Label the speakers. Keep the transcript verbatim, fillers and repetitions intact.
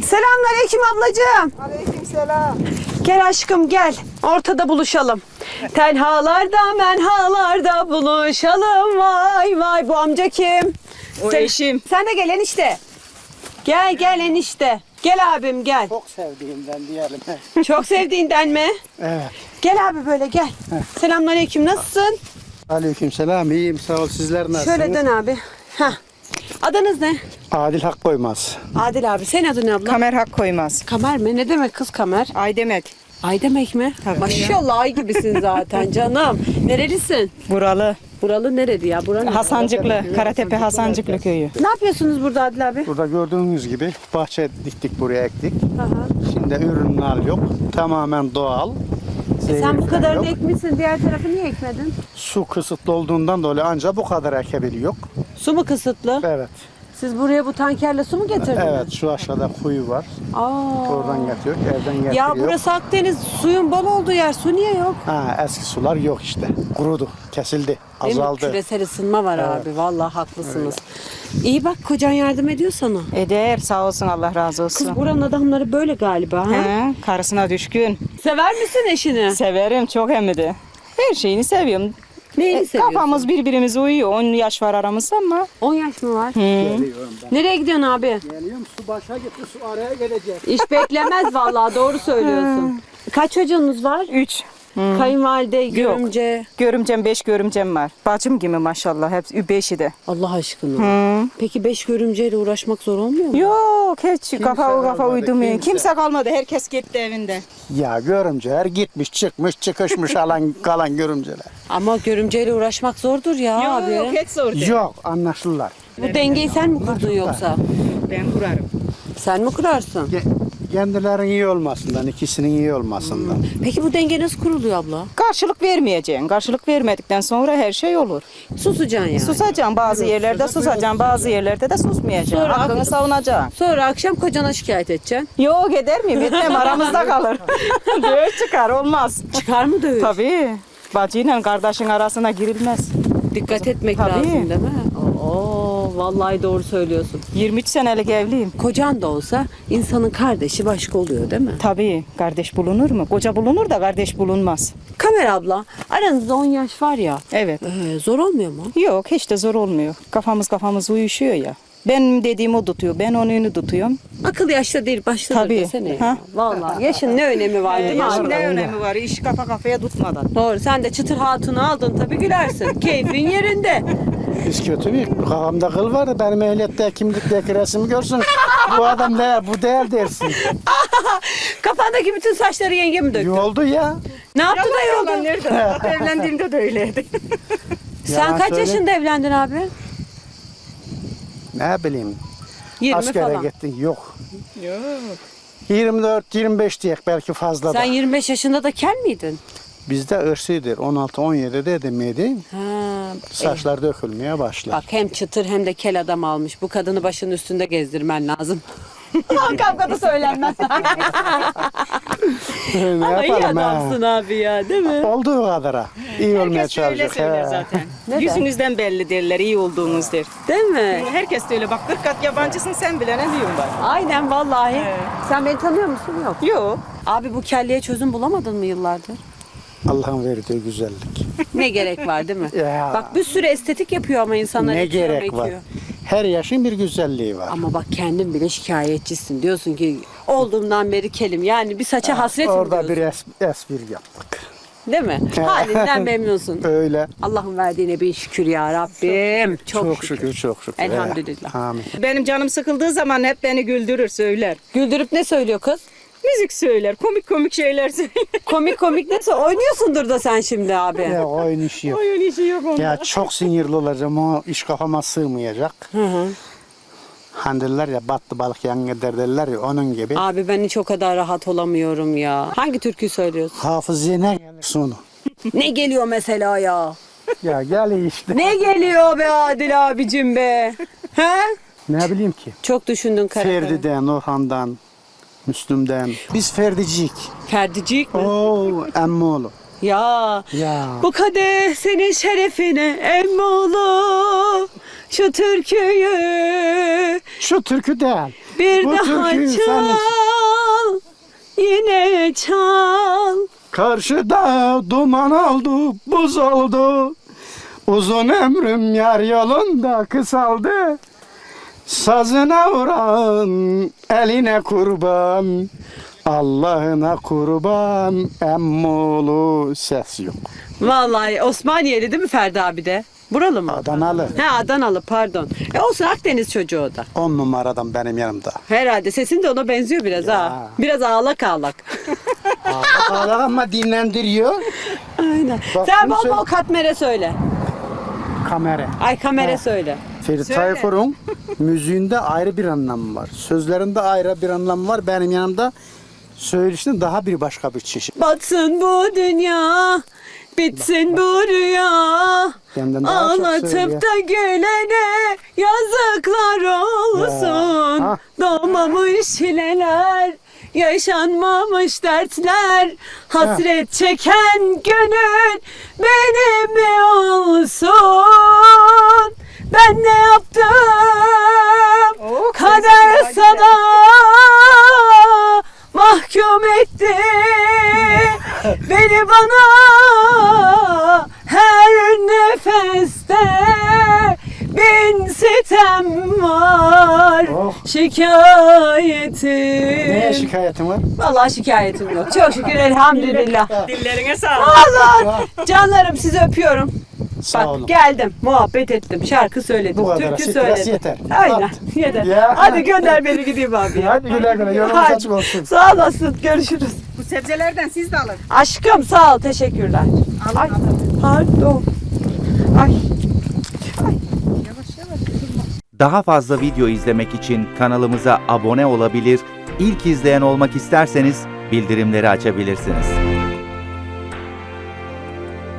Speaker 1: Selamünaleyküm ablacığım.
Speaker 2: Aleykümselam.
Speaker 1: Gel aşkım gel. Ortada buluşalım. Tenhalarda menhalarda buluşalım. Vay vay, bu amca kim?
Speaker 2: O
Speaker 1: Sen,
Speaker 2: eşim.
Speaker 1: Sen de gel enişte. Gel gel enişte. Gel abim gel.
Speaker 3: Çok sevdiğimden diyelim.
Speaker 1: Çok sevdiğinden mi?
Speaker 3: Evet.
Speaker 1: Gel abi böyle gel. Selamünaleyküm, nasılsın?
Speaker 3: Aleykümselam. İyiyim, sağ ol. Sizler nasılsınız?
Speaker 1: Şöyle dön abi. Heh. Adınız ne?
Speaker 3: Adil Hak Koymaz.
Speaker 1: Adil abi. Senin adın ne abla?
Speaker 2: Kamer hak koymaz.
Speaker 1: Kamer mi? Ne demek kız kamer?
Speaker 2: Ay demek.
Speaker 1: Ay demek mi? Maşallah ay gibisin zaten canım. Nerelisin?
Speaker 2: Buralı.
Speaker 1: Buralı neredi ya? Buranın
Speaker 2: Hasancıklı. Karatepe Hasancıklı köyü.
Speaker 1: Ne yapıyorsunuz burada Adil abi?
Speaker 3: Burada gördüğünüz gibi bahçe diktik, buraya ektik.
Speaker 1: Aha.
Speaker 3: Şimdi ürünler yok. Tamamen doğal.
Speaker 1: E sen bu
Speaker 3: Zehir
Speaker 1: kadarını
Speaker 3: yok.
Speaker 1: ekmişsin. Diğer tarafı niye ekmedin?
Speaker 3: Su kısıtlı olduğundan dolayı ancak bu kadar ekebiliyor.
Speaker 1: Su mu kısıtlı?
Speaker 3: Evet.
Speaker 1: Siz buraya bu tankerle su mu getirdiniz?
Speaker 3: Evet, şu aşağıda kuyu var.
Speaker 1: Aa.
Speaker 3: Oradan getiriyor, evden getiriyor.
Speaker 1: Ya burası Akdeniz, suyun bol olduğu yer. Su niye yok?
Speaker 3: Ha, eski sular yok işte. Kurudu, kesildi,
Speaker 1: Değil mi?
Speaker 3: azaldı.
Speaker 1: Küresel ısınma var abi. Vallahi haklısınız. İyi bak, kocan yardım ediyor sana.
Speaker 2: Eder, sağ olsun, Allah razı olsun.
Speaker 1: Kız buranın adamları böyle galiba. Ha?
Speaker 2: He, karısına düşkün.
Speaker 1: Sever misin eşini?
Speaker 2: Severim çok hem de. Her şeyini seviyorum.
Speaker 1: Neyini
Speaker 2: E,
Speaker 1: seviyorsun?
Speaker 2: Kafamız birbirimize uyuyor. on yaş var aramızda ama.
Speaker 1: on yaş mı var?
Speaker 3: Geliyorum ben.
Speaker 1: Nereye gidiyorsun abi?
Speaker 3: Geliyorum, su başa gitti, su araya gelecek.
Speaker 1: İş beklemez vallahi, doğru söylüyorsun. Kaç çocuğunuz var?
Speaker 2: Üç.
Speaker 1: Kayınvalide, görümce.
Speaker 2: Görümcem, beş görümcem var. Bacım gibi maşallah. Hepsi beşi de.
Speaker 1: Allah aşkına. Peki beş görümceyle uğraşmak zor olmuyor mu?
Speaker 2: Yok hiç kafa o kafa
Speaker 3: kalmadı,
Speaker 2: uydurmuyor.
Speaker 3: kimse.
Speaker 2: Kimse kalmadı. Herkes gitti evinde.
Speaker 3: Ya görümceler gitmiş, çıkmış, çıkışmış alan kalan görümceler.
Speaker 1: Ama görümceyle uğraşmak zordur ya abi.
Speaker 2: Yok hiç zor değil.
Speaker 3: Yok, anlaşırlar.
Speaker 1: Bu dengeyi sen mi kurdun yoksa?
Speaker 2: Ben kurarım.
Speaker 1: Sen mi kurarsın?
Speaker 3: Ge- Kendilerinin iyi olmasından, ikisinin iyi olmasından.
Speaker 1: Peki bu denge nasıl kuruluyor abla?
Speaker 2: Karşılık vermeyeceksin. Karşılık vermedikten sonra her şey olur.
Speaker 1: Susacaksın yani.
Speaker 2: Susacaksın bazı yerlerde, susacaksın bazı yerlerde de susmayacaksın.
Speaker 1: Sonra
Speaker 2: Hakkını
Speaker 1: aklı-
Speaker 2: savunacaksın.
Speaker 1: Sonra akşam kocana şikayet edeceksin.
Speaker 2: Yok eder miyim? Etmem aramızda kalır. Böyle çıkar olmaz.
Speaker 1: Çıkar mı dövüş?
Speaker 2: Tabii. Bacıyla kardeşin arasına girilmez.
Speaker 1: Dikkat etmek
Speaker 2: Tabii.
Speaker 1: lazım değil mi? Oo, vallahi doğru söylüyorsun.
Speaker 2: yirmi üç senelik evliyim.
Speaker 1: Kocan da olsa insanın kardeşi başka oluyor değil mi?
Speaker 2: Tabii. Kardeş bulunur mu? Koca bulunur da kardeş bulunmaz.
Speaker 1: Kamer abla, aranızda on yaş var ya.
Speaker 2: Evet.
Speaker 1: Ee, zor olmuyor mu?
Speaker 2: Yok hiç de zor olmuyor. Kafamız kafamız uyuşuyor ya. Benim dediğimi o tutuyor. Ben onun tutuyorum.
Speaker 1: Akıl yaşta değil, başta
Speaker 2: Tabii.
Speaker 1: desene ya.
Speaker 2: Ha?
Speaker 1: Vallahi yaşın ne önemi var değil mi
Speaker 2: Yaşın
Speaker 1: abi?
Speaker 2: ne önemi var? İş kafa kafaya tutmadan.
Speaker 1: Doğru, sen de çıtır hatunu aldın tabii, gülersin. Keyfin yerinde.
Speaker 3: Biz kötü bir kafamda kıl var, benim ehliyette kimlikteki resmi görsün. Bu adam ne, bu değil dersin.
Speaker 1: Kafandaki bütün saçları yenge mi döktü?
Speaker 3: Yoldu ya.
Speaker 1: Ne yaptı da yolda?
Speaker 2: Nerede? Evlendiğimde de öyleydi.
Speaker 1: Sen
Speaker 3: Yalan
Speaker 1: kaç
Speaker 3: söyle.
Speaker 1: yaşında evlendin abi?
Speaker 3: Ne bileyim,
Speaker 1: yirmi
Speaker 3: askere
Speaker 1: falan.
Speaker 3: gittin, yok.
Speaker 2: Yok.
Speaker 3: yirmi dört yirmi beş diyek belki fazla
Speaker 1: Sen
Speaker 3: da.
Speaker 1: yirmi beş yaşında da kel miydin?
Speaker 3: Bizde ırsıdır, on altı on yedi dedim miydi?
Speaker 1: Ha,
Speaker 3: Saçlar dökülmeye başlar.
Speaker 1: bak hem çıtır hem de kel adam almış. Bu kadını başının üstünde gezdirmen lazım. Kavgada söylenmez.
Speaker 3: ne
Speaker 1: Ama iyi
Speaker 3: yapalım ha?
Speaker 1: adamsın abi ya, değil mi?
Speaker 3: Olduğu kadara. İyi olmaya
Speaker 2: Herkes öyle
Speaker 3: çalışacak.
Speaker 2: söyler
Speaker 3: he.
Speaker 2: zaten.
Speaker 1: Neden?
Speaker 2: Yüzünüzden belli derler, iyi olduğunuz der.
Speaker 1: Değil mi?
Speaker 2: Herkes de öyle. Bak kırk kat yabancısın sen bile ne diyorsun bak.
Speaker 1: Aynen vallahi.
Speaker 2: Evet.
Speaker 1: Sen beni tanıyor musun? Yok.
Speaker 2: Yok.
Speaker 1: Abi bu kelliye çözüm bulamadın mı yıllardır?
Speaker 3: Allah'ın verdiği güzellik.
Speaker 1: Ne gerek var değil mi?
Speaker 3: Ya.
Speaker 1: Bak bir sürü estetik yapıyor ama insanlar
Speaker 3: Ne
Speaker 1: ekiyor,
Speaker 3: gerek var?
Speaker 1: mekiyor.
Speaker 3: Her yaşın bir güzelliği var.
Speaker 1: Ama bak kendin bile şikayetçisin. Diyorsun ki olduğumdan beri kelim. Yani bir saça hasretim
Speaker 3: Orada
Speaker 1: diyorsun.
Speaker 3: bir es- espri yaptık.
Speaker 1: Değil mi? Halinden memnunsun.
Speaker 3: Öyle.
Speaker 1: Allah'ın verdiğine bir şükür ya Rabbim. Çok,
Speaker 3: Çok,
Speaker 1: şükür.
Speaker 3: şükür, çok şükür.
Speaker 1: Elhamdülillah.
Speaker 3: He. Amin.
Speaker 2: Benim canım sıkıldığı zaman hep beni güldürür söyler.
Speaker 1: Güldürüp ne söylüyor kız?
Speaker 2: Müzik söyler, komik komik şeyler söyler.
Speaker 1: Komik komik ne söylüyor? Oynuyorsundur da sen şimdi abi.
Speaker 3: Ya oyun işi yok.
Speaker 2: Oyun işi yok onda.
Speaker 3: Ya çok sinirli olacağım, o iş kafama sığmayacak.
Speaker 1: Hı hı.
Speaker 3: Hani derler ya, battı balık yan gider derler ya, onun gibi.
Speaker 1: Abi ben hiç o kadar rahat olamıyorum ya. Hangi türküyü söylüyorsun?
Speaker 3: Hafızıya ne gelir sonu?
Speaker 1: Ne geliyor mesela ya?
Speaker 3: Ya gel işte.
Speaker 1: Ne geliyor be Adil abicim be? He?
Speaker 3: Ne bileyim ki.
Speaker 1: Çok düşündün karakter.
Speaker 3: Ferdi'den, Orhan'dan, Müslüm'den. Biz Ferdicik.
Speaker 1: Ferdicik mi?
Speaker 3: Oo, emmoğlu.
Speaker 1: Ya.
Speaker 3: Ya.
Speaker 1: Bu kadeh senin şerefine emmoğlu. Şu türküyü
Speaker 3: Şu türkü değil.
Speaker 1: Bir
Speaker 3: Bu
Speaker 1: daha
Speaker 3: türküyü sen-
Speaker 1: çal, yine çal.
Speaker 3: Karşıda duman oldu, buz oldu. Uzun ömrüm yar yolunda kısaldı. Sazına vuran eline kurban. Allah'ına kurban, emmolu ses yok.
Speaker 1: Vallahi Osmaniyeli değil mi Ferdi abi de? Buralı mı?
Speaker 3: Adanalı.
Speaker 1: He Adanalı pardon. E olsun Akdeniz çocuğu o da.
Speaker 3: On numaradan benim yanımda.
Speaker 1: Herhalde sesin de ona benziyor biraz ha. Biraz ağlak ağlak.
Speaker 3: Ağlar ama dinlendiriyor.
Speaker 1: Aynen.
Speaker 3: Bak,
Speaker 1: Sen
Speaker 3: bunu
Speaker 1: bol
Speaker 3: söyle-
Speaker 1: bol katmere söyle.
Speaker 3: Kamera.
Speaker 1: Ay kamera
Speaker 3: Ha.
Speaker 1: söyle.
Speaker 3: Ferit
Speaker 1: Söyle.
Speaker 3: Tayfur'un müziğinde ayrı bir anlamı var. Sözlerinde ayrı bir anlamı var. Benim yanımda söyleşinde daha bir başka bir çeşit.
Speaker 1: Batsın bu dünya, bitsin bu rüya.
Speaker 3: Benden daha çok söylüyor.
Speaker 1: Ağlatıp da gülene yazıklar olsun.
Speaker 3: Ya, ha.
Speaker 1: Doğmamış hileler, yaşanmamış dertler. Hasret çeken gönül benim mi olsun? Ben ne yaptım?
Speaker 2: Oh,
Speaker 1: Kader
Speaker 2: sesi
Speaker 1: sana mahkum etti. Beni bana her nefeste bin sitem var.
Speaker 3: Oh.
Speaker 1: Şikayetim.
Speaker 3: Neye şikayetin var?
Speaker 1: Vallahi şikayetim yok. Çok şükür elhamdülillah.
Speaker 2: Dillerine sağlık.
Speaker 1: Allah canlarım sizi öpüyorum.
Speaker 3: Sağ
Speaker 1: Bak
Speaker 3: olun.
Speaker 1: geldim, muhabbet ettim, şarkı söyledim,
Speaker 3: Bu kadar,
Speaker 1: türkü
Speaker 3: stres
Speaker 1: söyledim.
Speaker 3: yeter.
Speaker 1: Aynen,
Speaker 3: At.
Speaker 1: yeter.
Speaker 3: Ya.
Speaker 1: Hadi gönder beni gideyim abi ya.
Speaker 3: Hadi güle güle, yolunuz
Speaker 1: Hadi.
Speaker 3: açık olsun.
Speaker 1: Sağ olasın, görüşürüz.
Speaker 2: Bu sebzelerden siz de alın.
Speaker 1: Aşkım sağ ol, teşekkürler.
Speaker 2: Alın,
Speaker 1: Ay,
Speaker 2: alın.
Speaker 1: pardon. Ay.
Speaker 4: Daha fazla video izlemek için kanalımıza abone olabilir, ilk izleyen olmak isterseniz bildirimleri açabilirsiniz.